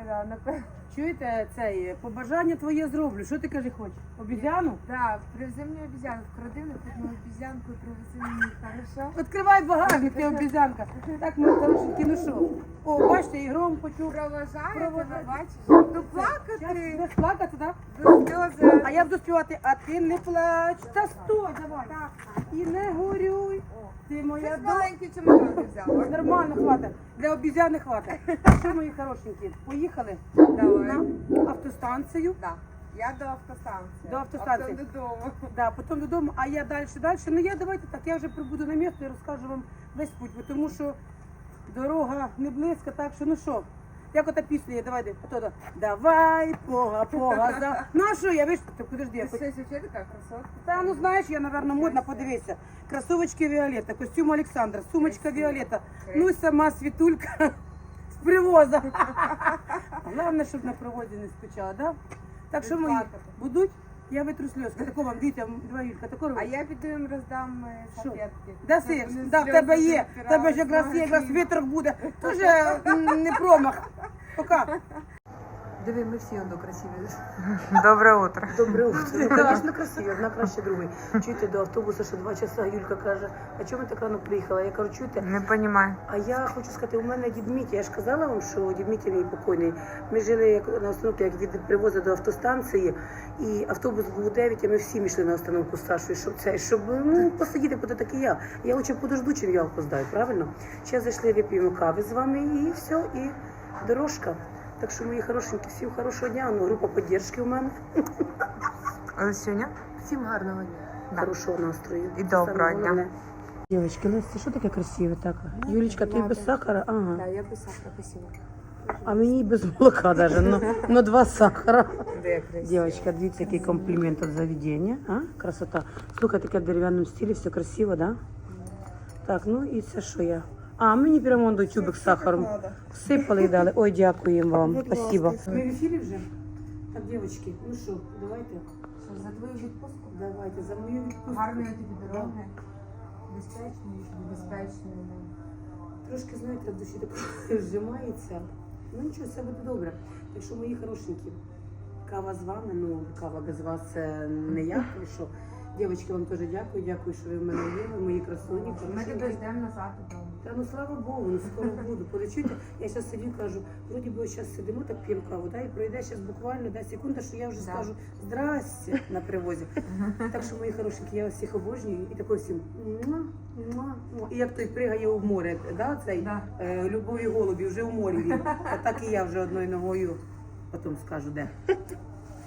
да, напевно. Чуєте, цей, побажання твоє зроблю. Що ти кажи хочеш? Обізяну? Так, привези мені обізянку, вкради на одну обізянку і привези мені, хорошо? Відкривай багажник, ти обізянка. Так, ми хорошенькі, ну що? О, бачите, і гром почув. Проважаю тебе, бачиш? Ну плакати, Будеш плакати, так? до сльози. А я буду співати, а ти не плач. Та стой, давай. І не горюй. Ти моя Щось маленький чемодан взяла. Нормально хватить. Для обізяни хватить. Так що, мої хорошенькі, поїхали Давай. на автостанцію. Да. Я до автостанції. До автостанції. А потім додому. Да, потім додому, а я далі. Ну я давайте так, я вже прибуду на місто і розкажу вам весь путь, бо тому що дорога не близька, так що ну що, як ота пісня є, давай, давай, пога, за. Ну а що, я вийшла, ти подожди, я Ти хоч... щось вообще така красотка. Та ну знаєш, я, напевно, модна, подивися. Кросовочки Віолетта, костюм Олександра, сумочка Віолетта, ну і сама світулька з привоза. Головне, щоб на привозі не скучала, да? Так що мої будуть, я витру сльозки. Тако вам, дивіться, два Юлька, тако А робить. я піду їм роздам салфетки. Даси, Щоб вони да, в сльози тебе є, не в тебе ж якраз є, якраз втирали. вітрок буде. Тоже не промах. Пока. Диви, ми всі одно красиві. Доброе утро. Добре утро. Ну, звісно, красиві, одна краще другої. Чуєте, до автобуса ще 2 часа, Юлька каже, а чому ми так рано приїхала? Я кажу, чуєте, Не понимаю. а я хочу сказати, у мене дід Мітя, я ж казала вам, що дід Мітя мій покойний. Ми жили як на остановці, як від привозу до автостанції, і автобус був у 9, а ми всі йшли на остановку з Сашою, щоб ну, посидіти, куди так і я. Я лучше подожду, чим я опоздаю, правильно? Зараз зайшли, вип'ємо кави з вами, і все, і дорожка. Так що, мої хорошенькі, всім хорошого дня, ну, група підтримки у мене. Сегодня? Всім гарного дня. Да. Хорошого настрою. І Це доброго саме дня. головне. Дівчатки, Леся, що таке красиве так? Юлічка, ти без сахара? Ага. Да, я без сахара, спасибо. А мені без молока даже, но 2 сахара. Де красиво. Девочка, дивіться, який комплімент від заведення. А? Красота. Слухай, таке в дерев'яному стилі, все красиво, да? Так, ну і це що я? А, мені прямо до тюбик з сахаром. Всипали і дали. Ой, дякуємо вам. Спасибо. Ми в ефірі вже? Так, дівчатки, ну що, давайте. Що, за твою відпустку? Давайте, за мою відпустку. Гарної тобі дороги. Безпечної, безпечної. Трошки, знаєте, в душі так зжимається. Ну нічого, все буде добре. Так що, мої хорошенькі, кава з вами, ну кава без вас це не я. тому що, дівчатки, вам теж дякую, що ви в мене є, ви мої красуні. Ми хорошенькі. тебе ждемо назад додому. Та ну слава Богу, ну скоро буду. Полечуйте. Я зараз сидю, кажу, вроді би зараз сидимо, так п'ємо каву, да, і пройде зараз буквально 10 секунд, що я вже Да. скажу здрасте на привозі. Так що, мої хорошенькі, я вас всіх обожнюю і такою всім муа, муа, муа. І як той пригає в море, да, цей Да. Любові голубі, вже в морі він. Так і я вже одною ногою, потім скажу де.